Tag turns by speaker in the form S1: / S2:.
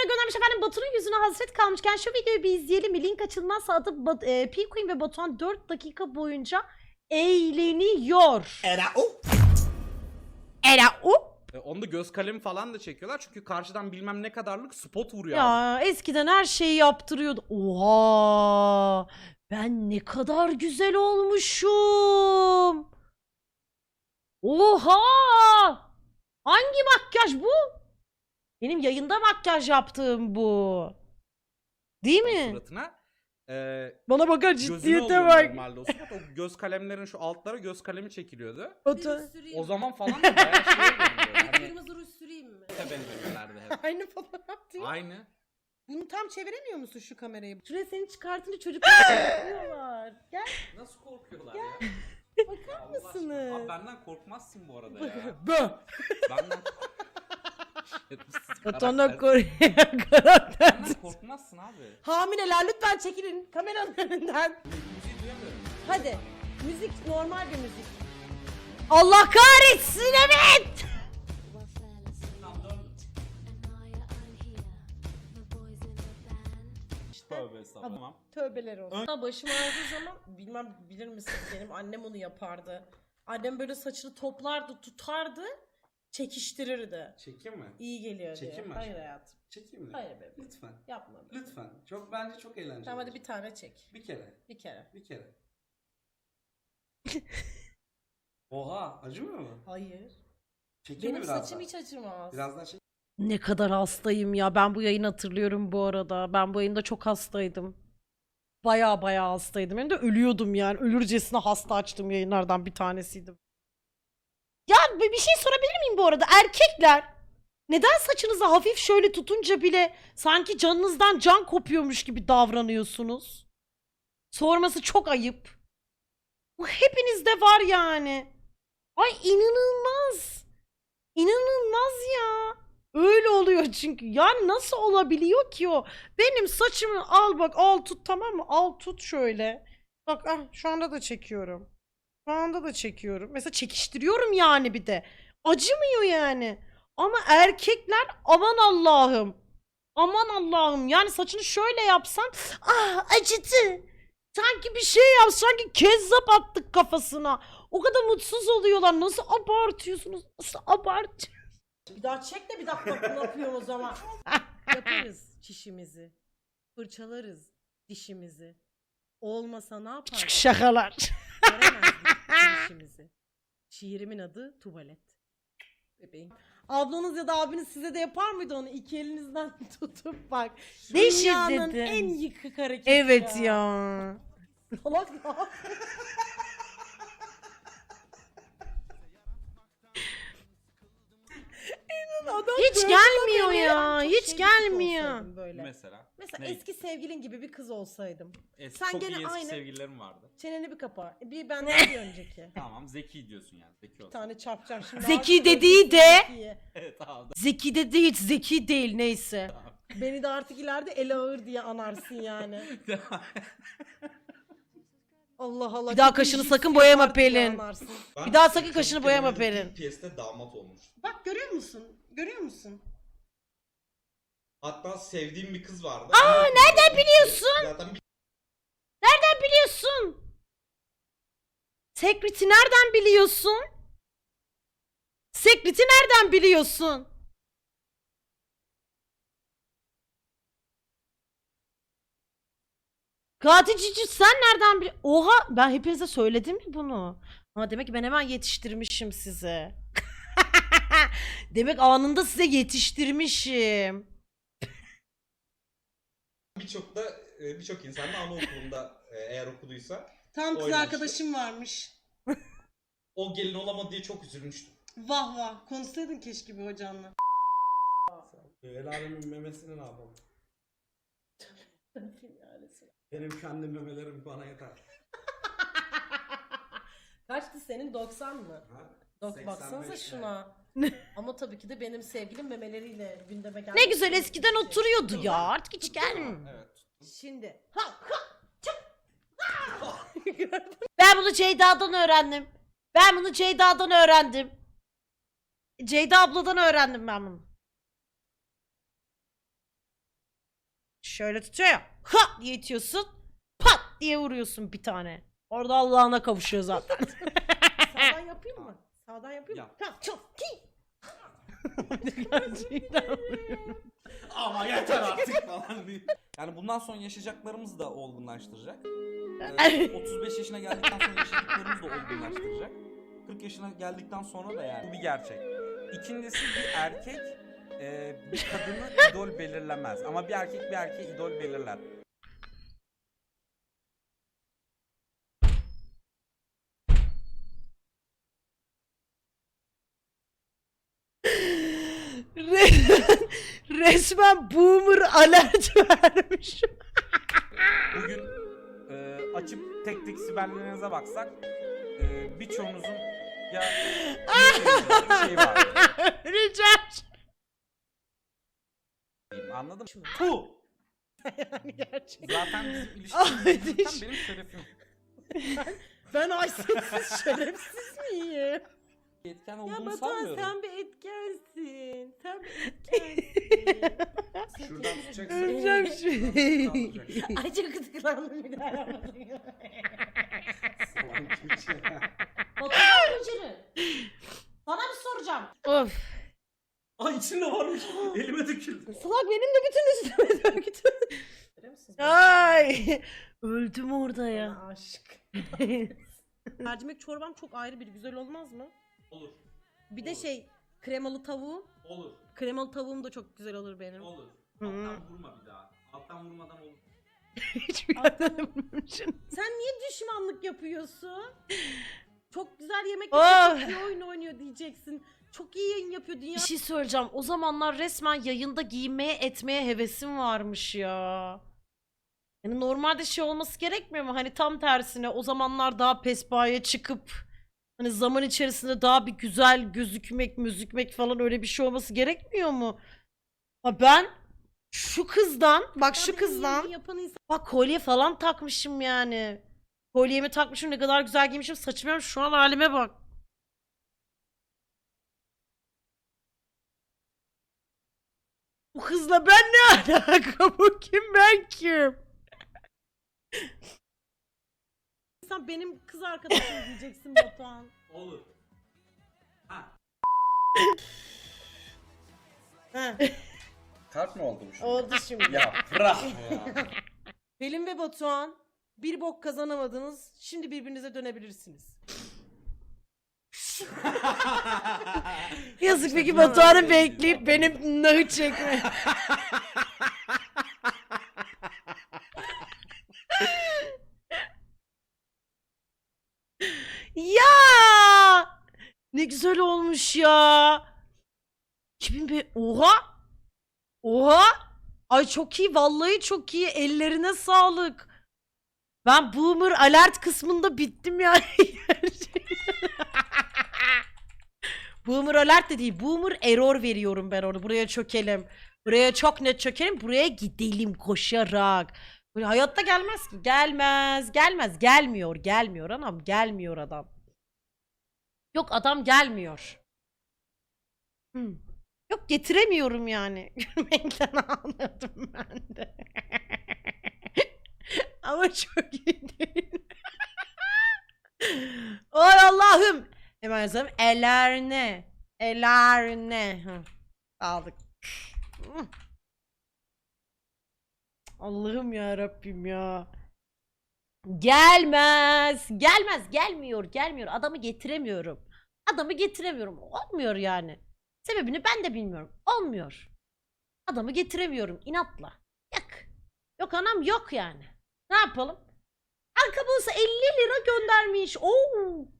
S1: göndermiş efendim. Batu'nun yüzüne hasret kalmışken şu videoyu bir izleyelim mi? Link açılmazsa atıp P-Queen ve Batuhan 4 dakika boyunca eğleniyor. Era o.
S2: Onu da göz kalemi falan da çekiyorlar çünkü karşıdan bilmem ne kadarlık spot vuruyor abi.
S1: Ya eskiden her şeyi yaptırıyordu. Oha! Ben ne kadar güzel olmuşum. Oha! Hangi makyaj bu? Benim yayında makyaj yaptığım bu. Değil mi?
S2: Suratına.
S1: Bana bakar
S2: Gözüne
S1: ciddiyete
S2: oluyor
S1: bak.
S2: normalde o spot. O göz kalemlerin şu altlara göz kalemi çekiliyordu.
S1: Batu-
S2: O zaman falan da bayağı şey geliyor. Hani
S3: Kırmızı ruj süreyim mi?
S2: benziyorlardı hep.
S3: Aynı fotoğraf değil mi?
S2: Aynı.
S3: Bunu tam çeviremiyor musun şu kamerayı?
S1: Şuraya seni çıkartınca çocuklar korkuyorlar. Gel
S2: Nasıl korkuyorlar ya?
S1: bakar
S2: Allah
S1: mısınız?
S2: aşkına. Abi benden korkmazsın bu arada ya.
S1: Bö.
S2: Benden
S1: Batuhan'dan
S2: Karakter-
S1: karakter.
S2: Benden korkmazsın abi.
S3: Hamileler lütfen çekilin kameranın önünden.
S2: Müziği duyamıyorum.
S3: Hadi. Müzik normal bir müzik.
S1: Allah kahretsin evet.
S2: Tövbe estağfurullah. Tamam.
S3: Tövbeler olsun. Başım ağrıdığı zaman bilmem bilir misiniz benim annem onu yapardı. Annem böyle saçını toplardı, tutardı, çekiştirirdi.
S4: Çekeyim mi?
S3: İyi geliyor diye.
S4: Çekeyim mi
S3: Hayır
S4: aşkım?
S3: hayatım.
S4: Çekeyim mi?
S3: Hayır bebeğim.
S4: Lütfen.
S3: Yapma.
S4: Lütfen. Bence çok eğlenceli.
S3: Tamam hadi
S4: olur.
S3: bir tane çek.
S4: Bir kere.
S3: Bir kere.
S4: Bir kere. Oha, acımıyor mu?
S3: Hayır.
S4: Çekeyim
S3: Benim
S4: mi biraz
S3: saçım
S4: daha?
S3: hiç acımaz.
S4: Biraz daha çek.
S1: Ne kadar hastayım ya. Ben bu yayını hatırlıyorum bu arada. Ben bu yayında çok hastaydım. Baya hastaydım. Hem de ölüyordum yani. Ölürcesine hasta açtığım yayınlardan bir tanesiydim. Ya bir şey sorabilir miyim bu arada? Erkekler neden saçınızı hafif şöyle tutunca bile sanki canınızdan can kopuyormuş gibi davranıyorsunuz? Sorması çok ayıp. Bu hepinizde var yani. Ay inanılmaz. İnanılmaz ya. Öyle oluyor çünkü. Yani nasıl olabiliyor ki o? Benim saçımı al bak al tut tamam mı? Al tut şöyle. Bak ah şu anda da çekiyorum. Şu anda da çekiyorum. Mesela çekiştiriyorum yani bir de. Acımıyor yani. Ama erkekler aman Allah'ım. Aman Allah'ım. Yani saçını şöyle yapsan ah acıdı. Sanki bir şey yap. Sanki kezzap attık kafasına. O kadar mutsuz oluyorlar. Nasıl abartıyorsunuz? Nasıl abartıyorsunuz?
S3: Bir daha çek de bir dakika ne yapıyorum o zaman. Yaparız çişimizi. Fırçalarız dişimizi. Olmasa ne
S1: Küçük
S3: yaparız?
S1: şakalar.
S3: Göremezdik çişimizi. Şiirimin adı tuvalet. Bebeğim. Ablanız ya da abiniz size de yapar mıydı onu? İki elinizden tutup bak.
S1: Ne
S3: Dünyanın
S1: şiddeti.
S3: en yıkık hareketi
S1: Evet
S3: ya.
S1: ya.
S3: Salak ne yapıyor? Adam
S1: Hiç
S3: gördü
S1: gelmiyor
S3: beni.
S1: ya.
S3: Çok
S1: Hiç
S3: şey bir kız
S1: gelmiyor.
S3: olsaydım Böyle.
S2: Mesela.
S3: Mesela
S2: Ne?
S3: eski sevgilin gibi bir kız olsaydım.
S2: Eski,
S3: Sen
S2: çok
S3: gene
S2: iyi eski
S3: aynı-
S2: sevgililerim vardı.
S3: Çeneni bir kapa. Bir benden bir önceki.
S2: Tamam zeki diyorsun yani. Zeki
S3: Bir
S2: olsun.
S3: tane çarpacağım şimdi.
S1: Zeki
S3: Artık
S1: dediği
S3: öncesi
S1: de-
S3: Zekiye.
S2: Evet tamam.
S1: Zeki de değil, zeki değil neyse.
S3: Beni de artık ileride ele ağır diye anarsın yani. Allah Allah.
S1: Bir daha
S3: çok
S1: kaşını
S3: iyi
S1: sakın
S3: his
S1: boyama
S3: yapar diye
S1: Pelin.
S3: anarsın.
S1: Bir daha sakın kaşını boyama Pelin.
S4: PS'te damat olmuş.
S3: Bak görüyor musun? Görüyor musun?
S4: Hatta sevdiğim bir kız vardı.
S1: nereden biliyorsun?
S4: Zaten bir
S1: Nereden biliyorsun? Secret'i nereden biliyorsun? Secret'i nereden biliyorsun? Katil Cici sen nereden biliyorsun? Oha ben hepinize söyledim mi bunu? Ha, demek ki ben hemen yetiştirmişim size. Demek anında size yetiştirmişim.
S4: birçok insan da anaokulunda eğer okuduysa
S3: Tam kız
S4: Oynamıştı.
S3: arkadaşım varmış.
S4: o gelin olamadı diye çok üzülmüştüm.
S3: Vah vah. Konuşsaydın keşke bir hocanla.
S4: El alemin memesini ne yapalım? Benim kendi memelerim bana yeter.
S3: Kaçtı senin 90 mı?
S4: Ha?
S3: Baksanıza
S4: 85
S3: şuna. Ama tabii ki de benim sevgilim memeleriyle gündeme geldi.
S1: Ne güzel eskiden oturuyordu ya. Artık hiç gelmiyor.
S2: Evet.
S3: Şimdi.
S1: Ben bunu Ceyda'dan öğrendim. Ben bunu Ceyda'dan öğrendim. Ceyda abladan öğrendim ben bunu. şöyle tutuyor ya. Ha diye itiyorsun. Pat diye vuruyorsun bir tane. Orada Allah'ına kavuşuyor zaten.
S3: Sağdan yapayım mı? Sağdan yapayım mı?
S2: Yap.
S3: Tamam, çok ki.
S1: Gerçekten.
S2: Ama yeter artık falan diye. Yani bundan sonra yaşayacaklarımız da olgunlaştıracak. 35 yaşına geldikten sonra yaşadıklarımız da olgunlaştıracak. 40 yaşına geldikten sonra da yani. Bu bir gerçek. İkincisi bir erkek bir kadını idol belirlemez. Ama bir erkek bir erkeğe idol belirler.
S1: Resmen boomer alert vermiş.
S2: Bugün açıp tek tek siberlerinize baksak birçoğunuzun ya bir şey var.
S1: Öleceğim.
S2: Anladın mı? Bu.
S1: Yani gerçekten.
S2: Zaten bizim
S1: Ay,
S2: ilişkimiz benim şerefim.
S3: Ben haysiyetsiz şerefsiz miyim?
S2: Etken
S3: Ya
S2: olduğunu
S3: Batuhan
S2: sanmıyorum.
S3: sen bir etkensin. Sen bir etkensin.
S4: Şuradan tutacaksın.
S1: Öleceğim şimdi.
S4: kaldıracaksın.
S3: Ay çok kıskandım bir daha yapmadım.
S4: Salak keçi.
S3: Batuhan Gülçin'i. Sana bir soracağım.
S1: Of.
S2: Ay içinde varmış. Elime döküldü.
S3: Salak benim de bütün üstüme döktü. Görüyor musun?
S1: Ay. Öldüm orada ya.
S3: Bana aşık. Mercimek çorbam çok ayrı bir güzel olmaz mı?
S2: Olur.
S3: Bir de şey kremalı tavuğum.
S2: Olur.
S3: Kremalı tavuğum da çok güzel olur benim.
S2: Olur.
S1: Hı.
S2: Alttan vurma bir daha. Alttan vurmadan olur.
S1: Hiçbir yerden vurmamışım.
S3: Sen niye düşmanlık yapıyorsun? Çok güzel yemek
S1: Oh.
S3: yapıyor, çok iyi oyun oynuyor diyeceksin. Çok iyi yayın yapıyor dünya.
S1: Bir şey söyleyeceğim. O zamanlar resmen yayında giyinmeye etmeye hevesim varmış ya. Yani normalde şey olması gerekmiyor mu? Hani tam tersine o zamanlar daha pespaya çıkıp hani zaman içerisinde daha bir güzel gözükmek falan öyle bir şey olması gerekmiyor mu? Ha ben şu kızdan bak şu
S3: Benim
S1: kızdan
S3: yayın yapan insan
S1: bak kolye falan takmışım yani. Kolyemi takmışım ne kadar güzel giymişim saçım şu an halime bak. Bu kızla ben ne alaka? Bu kim ben kim?
S3: benim kız arkadaşım diyeceksin Batuhan.
S2: Olur. Ha.
S3: Ha,
S4: Kart mı oldu bu şimdi?
S3: oldu şimdi.
S4: Ya bırak ya.
S3: Pelin ve Batuhan bir bok kazanamadınız. Şimdi birbirinize dönebilirsiniz.
S1: Yazık peki Batuhan'ı bekleyip benim nahı çekme. Ya! Ne güzel olmuş ya. 2005 Oha! Oha! Ay çok iyi vallahi çok iyi. Ellerine sağlık. Ben boomer alert kısmında bittim yani. Boomer alert de değil. Boomer error veriyorum ben orada. Buraya çökelim. Buraya çok net çökelim. Buraya gidelim koşarak. Böyle hayatta gelmez ki. Gelmez. Gelmez. Gelmiyor. Gelmiyor anam. Gelmiyor adam. Yok adam gelmiyor. Yok getiremiyorum yani. Gülmekten ağladım ben de. Ama çok iyi değil. Ay Allah'ım. Hemen yazalım. Ellerine. Ellerine. Aldık. Allah'ım ya Rabbim ya. Gelmez. Gelmez. Gelmiyor. Gelmiyor. Adamı getiremiyorum. Adamı getiremiyorum. Olmuyor yani. Sebebini ben de bilmiyorum. Olmuyor. Adamı getiremiyorum inatla. Yok. Yok anam yok yani. Ne yapalım? Arka bulsa 50 lira göndermiş. Oo.